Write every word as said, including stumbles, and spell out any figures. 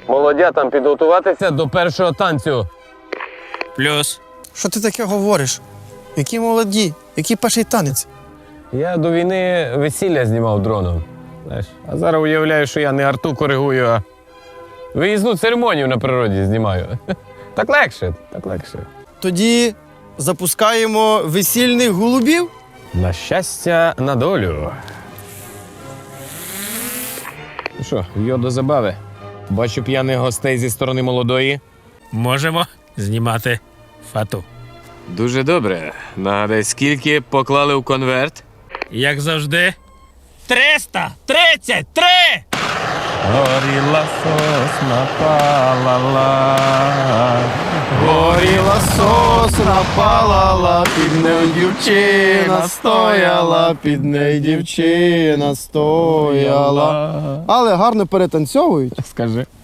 молодятам підготуватися до першого танцю. Плюс. Що ти таке говориш? Які молоді, який перший танець? Я до війни весілля знімав дроном. Знаєш, а зараз уявляю, що я не арту коригую, а виїзну церемонію на природі знімаю. Так легше, так легше. Тоді запускаємо весільних голубів. На щастя, на долю. Ну що, йо до забави. Бачу п'яних гостей зі сторони молодої. Можемо знімати фату. Дуже добре. Нагадай, скільки поклали в конверт? Як завжди. триста тридцять три! Горіла сосна палала, горіла сосна палала, під нею дівчина стояла, під нею дівчина стояла. Але гарно перетанцьовують. Скажи.